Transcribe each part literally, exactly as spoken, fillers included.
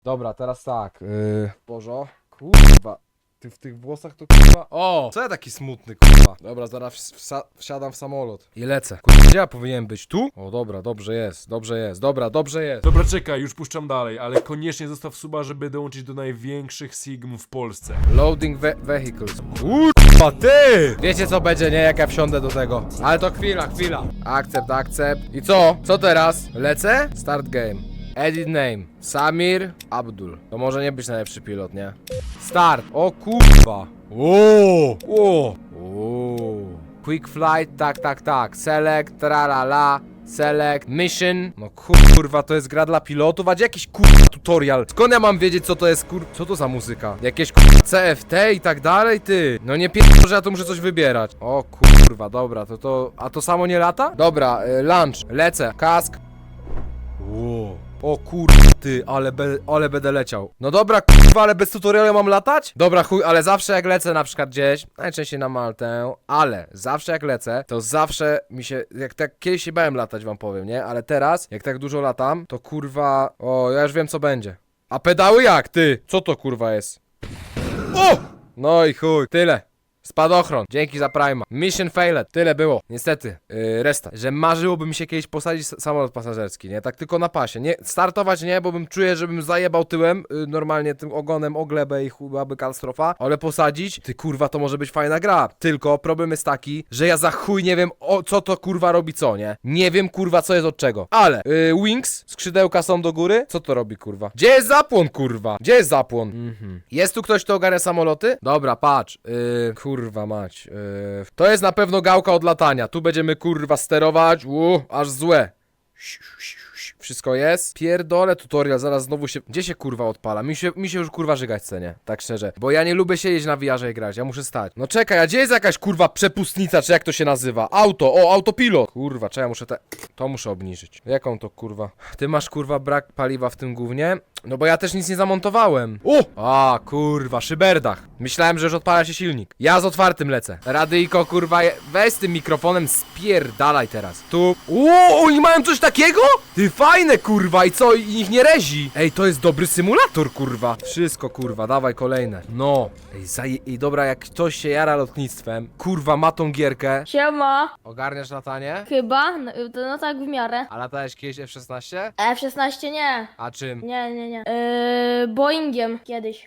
Dobra, teraz tak. Yy, Bożo. Kurwa. Ty w tych włosach to kurwa... O! Co ja taki smutny, kurwa? Dobra, zaraz wsa wsiadam w samolot. I lecę. Kurwa, gdzie ja powinienem być? Tu? O, dobra, dobrze jest, dobrze jest, dobra, dobrze jest. Dobra, czekaj, już puszczam dalej, ale koniecznie zostaw suba, żeby dołączyć do największych Sigm w Polsce. Loading ve vehicles. Kurwa, ty! Wiecie co będzie, nie? Jak ja wsiądę do tego. Ale to chwila, chwila. Akcept, akcept. I co? Co teraz? Lecę? Start game. Edit name. Samir Abdul. To może nie być najlepszy pilot, nie? Start. O kurwa. O, o, o. Quick flight, tak, tak, tak. Select, tralala. Select, mission. No kurwa, to jest gra dla pilotów, a gdzie jakiś kurwa tutorial? Skąd ja mam wiedzieć, co to jest kur... Co to za muzyka? Jakieś kurwa C F T i tak dalej, ty. No nie pierdolę, że ja tu muszę coś wybierać. O kurwa, dobra, to to... A to samo nie lata? Dobra, y, lunch. Lecę. Kask. Wow. O kurwa ty, ale, be, ale będę leciał. No dobra kurwa, ale bez tutorialu mam latać? Dobra chuj, ale zawsze jak lecę na przykład gdzieś, najczęściej na Maltę, ale zawsze jak lecę, to zawsze mi się, jak tak kiedyś się bałem latać wam powiem, nie? Ale teraz, jak tak dużo latam, to kurwa, o ja już wiem co będzie. A pedały jak ty? Co to kurwa jest? O! No i chuj, tyle. Spadochron, dzięki za Prima. Mission failed, tyle było. Niestety, yy, restart. Że marzyłoby mi się kiedyś posadzić samolot pasażerski, nie? Tak tylko na pasie. Nie, startować nie, bo bym czuję, żebym zajebał tyłem, yy, normalnie tym ogonem o glebę i chubaby katastrofa. Ale posadzić, ty kurwa, to może być fajna gra. Tylko problem jest taki, że ja za chuj nie wiem o co to kurwa robi co, nie? Nie wiem kurwa co jest od czego. Ale, yy, wings, skrzydełka są do góry. Co to robi kurwa? Gdzie jest zapłon kurwa? Gdzie jest zapłon? Mhm. Jest tu ktoś, kto ogarnia samoloty? Dobra, patrz, yy, kurwa mać. Yy, to jest na pewno gałka od latania. Tu będziemy kurwa sterować. Uuu, aż złe. Wszystko jest? Pierdolę tutorial, zaraz znowu się... Gdzie się kurwa odpala? Mi się, mi się już kurwa żygać chce, nie? Tak szczerze. Bo ja nie lubię siedzieć na V R-ze i grać, ja muszę stać. No czekaj, a gdzie jest jakaś kurwa przepustnica, czy jak to się nazywa? Auto, o, autopilot. Kurwa, czy ja muszę te... To muszę obniżyć. Jaką to kurwa? Ty masz kurwa brak paliwa w tym gównie? No bo ja też nic nie zamontowałem. O! A, kurwa, szyberdach. Myślałem, że już odpala się silnik. Ja z otwartym lecę. Radyjko, kurwa, je... weź z tym mikrofonem, spierdalaj teraz. Tu... O, oni mają coś takiego? Ty, fajne, kurwa, i co? I ich nie rezi. Ej, to jest dobry symulator, kurwa. Wszystko, kurwa, dawaj kolejne. No. Ej, zaje... Ej, dobra, jak ktoś się jara lotnictwem, kurwa, ma tą gierkę. Siema, Ogarniasz latanie? chyba, no, to, no tak w miarę. A latałeś kiedyś F szesnaście? F szesnaście nie, A czym? nie, nie, nie. Yy, Boeingiem kiedyś.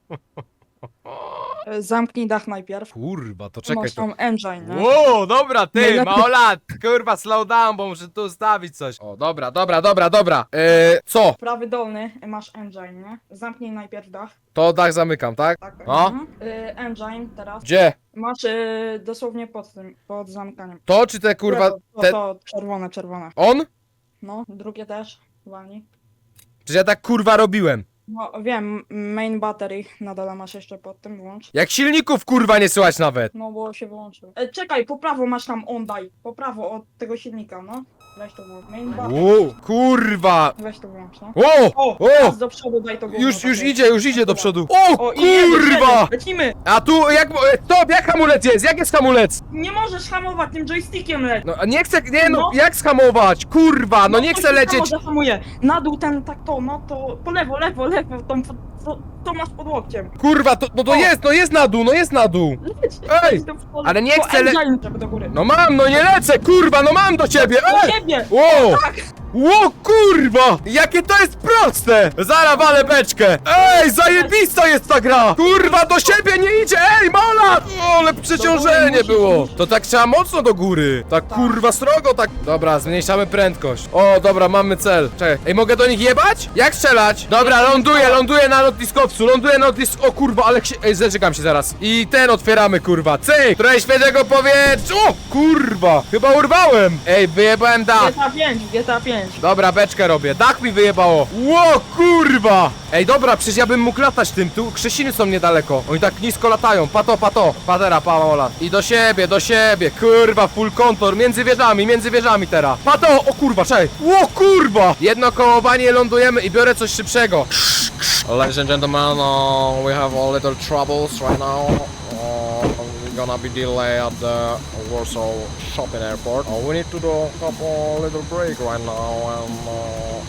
Zamknij dach najpierw. Kurwa, to czekaj, Masz to... tam engine, nie? Wow, dobra, ty, Najlepiej- małolat, kurwa, slow down, bo muszę tu ustawić coś. O, dobra, dobra, dobra, dobra. Eee, co? Prawy dolny masz engine, nie? Zamknij najpierw dach. To dach zamykam, tak? Tak. No. Mhm. Y, engine teraz. Gdzie? Masz y, dosłownie pod tym, pod zamykaniem. To czy te kurwa, To, to, te... to czerwone, czerwone. On? No, drugie też. Walnij. Czy ja tak kurwa robiłem? No wiem, main battery na dole masz jeszcze pod tym, włącz. Jak silników kurwa nie słychać nawet. No bo się wyłączył. E, czekaj, po prawo masz tam on daj. Po prawo od tego silnika, no. Weź to włącz. Main battery. Wow, kurwa. Weź to włącz, no. O, O, o, teraz do przodu daj to gówno, już, już takie. idzie, już idzie do przodu. O, O, i jedziesz, kurwa. jedziesz, lecimy! A tu, jak, stop, jak hamulec jest, jak jest hamulec? Nie możesz hamować tym joystickiem leć! No, nie chcę, nie no, No. jak schamować? Kurwa, no nie to chcę się lecieć. samo zahamuje. Na dół ten, tak to, no to po lewo, lewo, lewo, tą, to, to masz pod łokciem. Kurwa, to, no to O. jest, no jest na dół, no jest na dół. Leć, Ej, leć do przodu. ale nie Po chcę le- engine, żeby do góry. No mam, no nie lecę, kurwa, no mam do ciebie, Do ej! siebie! Ło! Tak! Ło, kurwa! Jakie to jest proste! Zara walę beczkę! Ej, zajebista jest ta gra! Kurwa, do siebie nie idzie! Ej, mola! O, ale przeciążenie musisz było! iść. To tak trzeba mocno do góry! Tak kurwa srogo, tak... Dobra, zmniejszamy prędkość. O, dobra, mamy cel. Czekaj, ej, mogę do nich jebać? Jak strzelać? Dobra, ląduję, ląduję na lotniskowcu, ląduję na lotniskowcu. O kurwa, ale się... Ej, zaczekam się zaraz. I ten otwieramy, kurwa. Cyk! Trochę świeżego powietrza! O, kurwa! Chyba urwałem! Ej, wyjebałem dach. G T A pięć, G T A pięć. Dobra, beczkę robię. Dach mi wyjebało. Ło, kurwa! Ej, dobra, przecież ja bym mógł latać tym. Tu Krzesiny są niedaleko. Oni tak nisko latają. Pato, pato. Patera, pamola. I do siebie, do siebie. Kurwa, full kontor. Między wieżami, między wieżami teraz. Pato, o kurwa, czekaj. Ło, kurwa! Jedno kołowanie, lądujemy i biorę coś szybszego. Ladies and gentlemen, uh, we have a little troubles right now. Uh, we're gonna be delayed at the Warsaw Shopping Airport. Uh, we need to do have a little break right now and uh,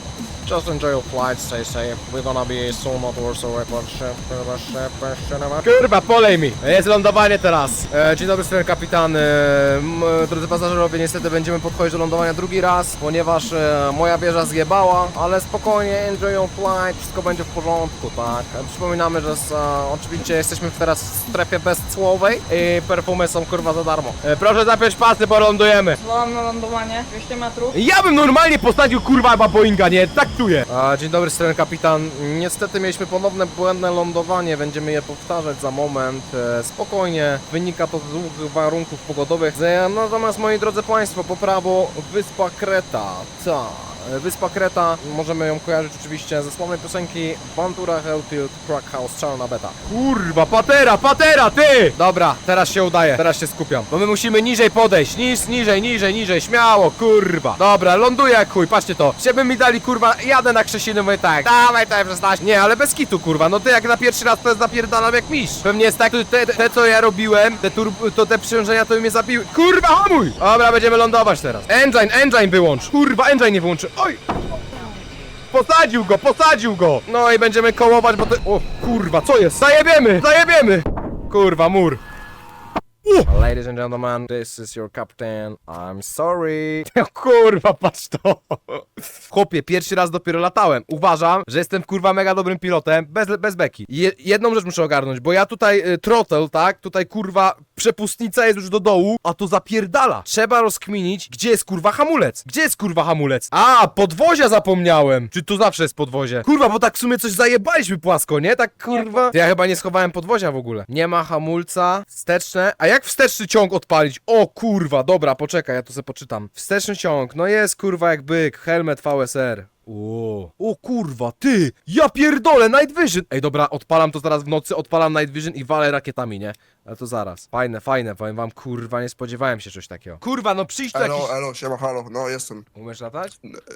Just enjoy your flight, stay safe. We're gonna be soon not also record ship, ship, Kurwa, polej mi! Jest lądowanie teraz. E, dzień dobry, stary kapitan. E, m, drodzy pasażerowie, niestety będziemy podchodzić do lądowania drugi raz, ponieważ e, moja wieża zjebała, ale spokojnie, enjoy your flight, wszystko będzie w porządku, tak? E, przypominamy, że z, e, oczywiście jesteśmy teraz w strefie bezcłowej i perfumy są kurwa za darmo. E, proszę zapiąć pasy, bo lądujemy. Zwołam na lądowanie, dwieście metrów. Ja bym normalnie postawił kurwa chyba Boeinga, nie? Tak czuję. A, dzień dobry, stary kapitan. Niestety mieliśmy ponowne błędne lądowanie, będziemy je powtarzać za moment. E, spokojnie, wynika to z długich warunków pogodowych. E, natomiast moi drodzy państwo, po prawo wyspa Kreta. Ta. Wyspa Kreta, możemy ją kojarzyć oczywiście ze sławnej piosenki Ventura Hellfield Crack House Czarna Beta. Kurwa, patera, patera, ty! Dobra, teraz się udaje, teraz się skupiam. Bo my musimy niżej podejść, niż, niżej, niżej, niżej, śmiało, kurwa. Dobra, ląduję jak chuj, patrzcie to. Żeby mi dali, kurwa, jadę na Krzesiny, mówię tak, dawaj to szesnaście. Nie, ale bez kitu, kurwa, no ty jak na pierwszy raz to jest napierdalam jak mistrz. Pewnie jest tak, te, te co ja robiłem, te tur to te przyciążenia to mnie zabiły. Kurwa, hamuj! Dobra, będziemy lądować teraz. Engine, engine wyłącz. Kurwa, engine nie wyłączy. Oj! Posadził go, posadził go! No i będziemy kołować, bo to... O kurwa, co jest? Zajebiemy! Zajebiemy! Kurwa, mur. Uh. Ladies and gentlemen, this is your captain. I'm sorry. Kurwa, patrz to. Chłopie, pierwszy raz dopiero latałem. Uważam, że jestem kurwa mega dobrym pilotem, bez, bez beki. Je, jedną rzecz muszę ogarnąć, bo ja tutaj y, throttle, tak? Tutaj kurwa przepustnica jest już do dołu, a to zapierdala. Trzeba rozkminić, gdzie jest kurwa hamulec. Gdzie jest kurwa hamulec? A, podwozia zapomniałem. Czy tu zawsze jest podwozie? Kurwa, bo tak w sumie coś zajebaliśmy płasko, nie? Tak kurwa. Ja chyba nie schowałem podwozia w ogóle. Nie ma hamulca, wsteczne. A jak wsteczny ciąg odpalić? O kurwa, dobra, poczekaj, ja to sobie poczytam. Wsteczny ciąg, no jest kurwa jak byk, helmet V S R. O, o kurwa, ty! Ja pierdolę, Night Vision! Ej, dobra, odpalam to zaraz w nocy, odpalam Night Vision i walę rakietami, nie? Ale to zaraz. Fajne, fajne, powiem wam, kurwa, nie spodziewałem się czegoś takiego. Kurwa, no przyjść tu jakiś... Elo, elo, siema, halo, no jestem. Umiesz latać?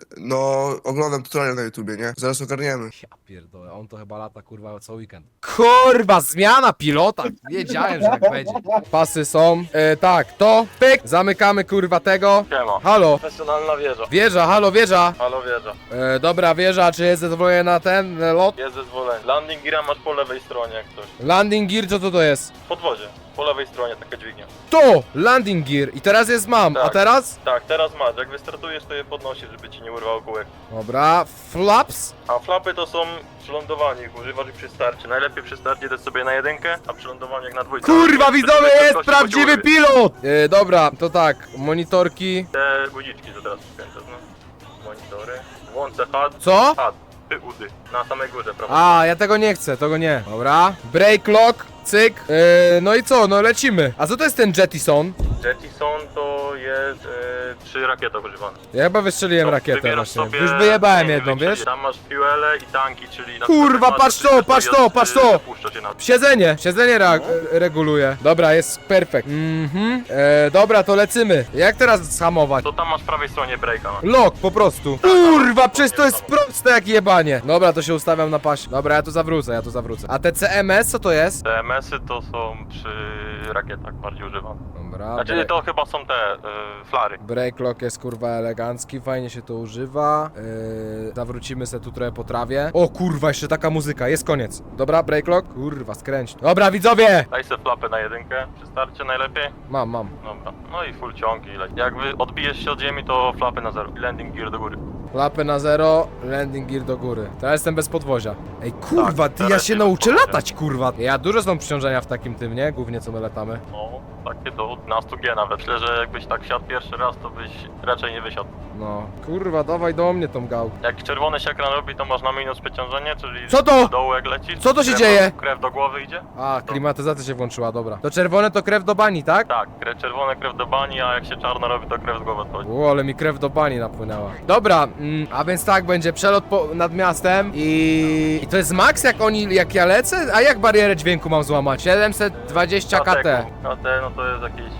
No, oglądam tutorial na YouTubie, nie? Zaraz ogarniemy. Ja pierdolę, on to chyba lata, kurwa, co weekend. Kurwa, zmiana pilota! Wiedziałem, że tak będzie. Pasy są. E, tak, to, pyk, zamykamy, kurwa, tego. Siema. Halo, Profesjonalna wieża. wieża, halo, wieża. Halo wieża. E, dobra, wieża, czy jest zezwolenie na ten e, lot? Jest zezwolenie. Landing geara masz po lewej stronie jak coś. Landing gear, co to to jest? W podwozie. Po lewej stronie taka dźwignia. To! Landing gear. I teraz jest mam, a Tak. teraz? Tak, teraz masz. Jak wystartujesz, to je podnosisz, żeby ci nie urwało kółek. Dobra, flaps. A flapy to są przy lądowaniu, ich używasz i przy starcie. Najlepiej przy starcie dać sobie na jedynkę, a przy lądowaniu jak na dwójkę. Kurwa, Przy widzowie, drugiej jest prędkości prawdziwy chodzi pilot! E, dobra, to tak, monitorki. Te guziczki, co teraz przypięte, no. Monitory. Włączę H U D. Co? H U D. Ty udy. Na samej górze, prawda? A, ja tego nie chcę, tego nie. Dobra, break lock, cyk. E, no i co, no lecimy. A co to jest ten Jettison? Jettison to jest e, przy rakietach używane. Ja chyba wystrzeliłem To rakietę wybierasz właśnie. sobie- Już wyjebałem nie, jedną, wybierasz- wiesz? Tam masz fuele i tanki, czyli... na Kurwa, przykład masz patrz to, coś patrz sobie to, od- patrz to! zapuszcza cię na... Siedzenie, siedzenie re reguluje. Dobra, jest perfekt. Mhm. E, dobra, to lecimy. Jak teraz zhamować? To tam masz w prawej stronie breaka. No. Lock, po prostu. Kurwa, przecież to jest proste jak jebanie. Dobra, to się ustawiam na pasie. Dobra, ja tu zawrócę, ja tu zawrócę. A te C M S, co to jest? Te M S-y to są przy rakietach bardziej używane. Dobra, Znaczy break, to chyba są te y, flary. break lock jest kurwa elegancki, fajnie się to używa. Yy, zawrócimy se tu trochę po trawie. O kurwa, jeszcze taka muzyka, jest koniec. Dobra, break lock. Kurwa, skręć. Dobra, widzowie! Daj sobie flapę na jedynkę przy starcie najlepiej. Mam, mam. Dobra. No i full ciąg i leci. Jak wy odbijesz się od ziemi, to flapy na zero. I landing gear do góry. Klapy na zero, landing gear do góry. Teraz jestem bez podwozia. Ej, kurwa, Tak, ty, ja teraz się nie bez nauczę podwozia. latać, kurwa. Ja dużo są przyciążenia w takim tym, nie? Głównie co my latamy. No, takie do dwanaście G nawet. Myślę, że jakbyś tak wsiadł pierwszy raz, to byś raczej nie wysiadł. No, kurwa, dawaj do mnie tą gałkę. Jak czerwony się ekran robi, to masz na minus przeciążenie, czyli Co to? do dołu jak lecisz. Co to się krew dzieje? Do, krew do głowy idzie? A, klimatyzacja się włączyła, dobra. To czerwone to krew do bani, tak? Tak, krew, czerwone krew do bani, a jak się czarno robi, to krew z głowy odchodzi. O, ale mi krew do bani napłynęła. Dobra, mm, a więc tak, będzie przelot po, nad miastem i... I to jest max, jak oni, jak ja lecę? A jak barierę dźwięku mam złamać? siedemset dwadzieścia K T. K T, no to jest jakieś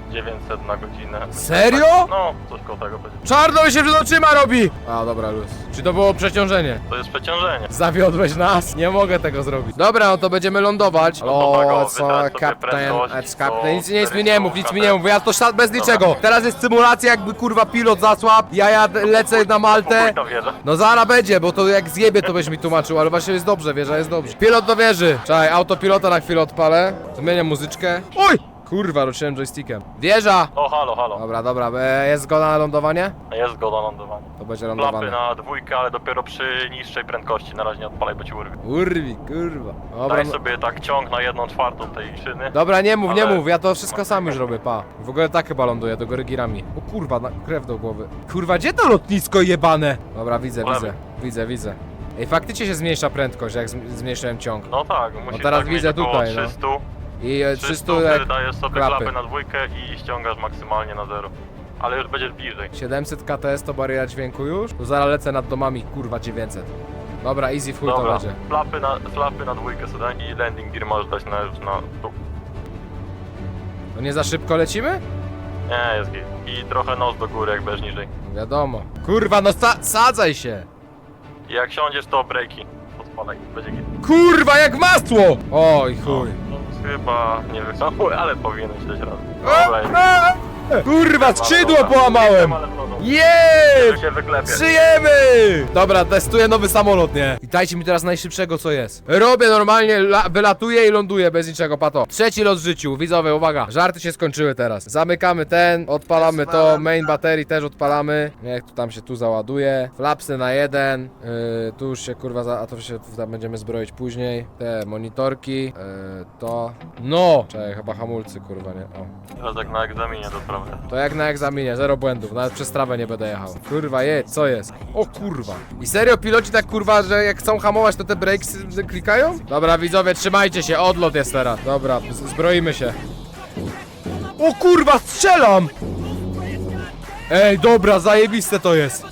dziewięćset na godzinę. Serio? No, coś koło tego będzie. Czarno mi się przed oczyma robi! A, dobra, luz. Czy to było przeciążenie? To jest przeciążenie. Zawiodłeś nas? Nie mogę tego zrobić. Dobra, no to będziemy lądować. No to tak, o, O, co, wybrać sobie kapten, prędkość, ec, co, kapten. Nic, nic mi nie cztery, mów, nic co, mi nie mów, ja to szat bez niczego. Teraz jest symulacja, jakby kurwa pilot zasłabł, ja jadę, lecę na Maltę. Pójdź na wieżę. No zara będzie, bo to jak zjebie to byś mi tłumaczył, ale właśnie jest dobrze, wieża jest dobrze. Pilot do wieży. Czekaj, autopilota na chwilę odpalę. Zmienię muzyczkę. Oj! Kurwa, ruszyłem joystickiem. Wieża! O, halo, halo. Dobra, dobra, e, jest zgoda na lądowanie? Jest zgoda na lądowanie. To będzie Klapy lądowane. na dwójkę, ale dopiero przy niższej prędkości. Na razie nie odpalaj, bo ci urwie. Urwi, kurwa. Dobra, Daj no. sobie tak ciąg na jedną czwartą tej szyny. Dobra, nie mów, nie Ale- mów, ja to wszystko sam już robię, pa. W ogóle tak chyba ląduję, do góry girami. O kurwa, na, krew do głowy. Kurwa, gdzie to lotnisko jebane? Dobra, widzę, Po widzę, lewej. widzę, widzę. Ej, faktycznie się zmniejsza prędkość, jak zm- zmniejszyłem ciąg. No tak, musisz teraz tak widzę mieć około tutaj, no. trzysta. I e, trzysta, trzysta wtedy jak dajesz sobie klapy. klapy na dwójkę i ściągasz maksymalnie na zero. Ale już będziesz bliżej. siedemset K T S to bariera dźwięku już? To zaraz lecę nad domami, kurwa, dziewięćset. Dobra, easy full to Dobra, będzie. flapy na, flapy na dwójkę sobie daj i landing gear możesz dać na, już na dół. No nie za szybko lecimy? Nie, jest git. I trochę nos do góry, jak będziesz niżej. No wiadomo. Kurwa, no sa sadzaj się! I jak siądziesz, to breaki. Odpalaj, będzie git. Kurwa, jak masło! Oj, chuj. No, chyba nie wyhamuj, ale powinieneś dać radę. A, Dobra, jest. a, Kurwa, skrzydło Dobra, połamałem! ale w lodu. Jeee! się wyklepie. Żyjemy! Dobra, testuję nowy samolot, nie? I dajcie mi teraz najszybszego, co jest. Robię normalnie, la- wylatuję i ląduję bez niczego, pato. Trzeci lot w życiu, widzowie, uwaga. Żarty się skończyły teraz. Zamykamy ten, odpalamy to, main baterii też odpalamy. Niech tu tam się tu załaduje. Flapsy na jeden. Yy, tu już się kurwa, za- a to się tam będziemy zbroić później. Te monitorki. Yy, to. No! Czekaj, chyba hamulcy, kurwa, nie? O. Teraz jak na egzaminie do prawa. To jak na egzaminie, zero błędów, nawet przez trawę nie będę jechał. Kurwa, jedź, co jest? O kurwa. I serio piloci tak kurwa, że jak chcą hamować, to te brakes klikają? Dobra, widzowie, trzymajcie się, odlot jest teraz. Dobra, z- zbroimy się. O kurwa, strzelam! Ej, dobra, zajebiste to jest.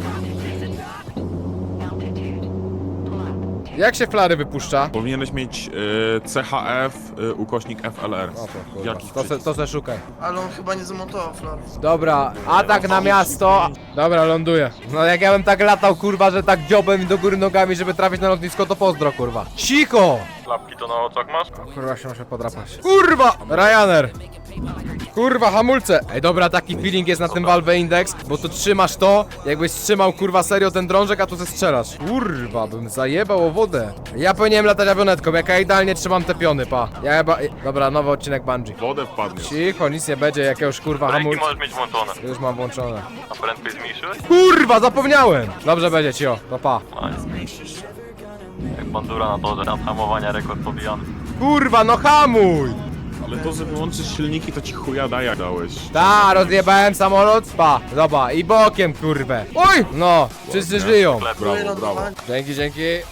Jak się flary wypuszcza? Powinieneś mieć y, C H F y, ukośnik F L R. O to kurwa, Jakiś to se, przycisk. to se szukaj. Ale on chyba nie zamontował flarów. Dobra, atak na miasto. Dobra, ląduję. No jak ja bym tak latał, kurwa, że tak dziobem i do góry nogami, żeby trafić na lotnisko, to pozdro, kurwa. Cicho! Klapki to na oczach masz? O, kurwa, się muszę podrapać. Kurwa! Ryanair! Kurwa, hamulce! Ej, dobra, taki feeling jest na tym Valve Index, bo tu trzymasz to, jakbyś trzymał, kurwa, serio ten drążek, a tu ze strzelasz. Kurwa, bym zajebał o wodę. Ja powinienem latać awionetką, jak ja idealnie trzymam te piony, pa. Ja chyba... Dobra, nowy odcinek Bungie. Wodę wpadniesz. Cicho, nic nie będzie, jakiegoś kurwa Breki hamulca. możesz mieć włączone. Już mam włączone. A prędkość zmniejszyłeś? Kurwa, zapomniałem! Dobrze będzie, cio, to pa. A, jest. Jak bandura na torze, tam hamowania rekord pobijany. Kurwa, no hamuj! Ale to, że wyłączysz silniki, to ci chuja daja dałeś. Ta, rozjebałem samolot, pa, zobacz, i bokiem, kurwę. Oj! No, wszyscy żyją. Sklep. Brawo, brawo. Dzięki, dzięki.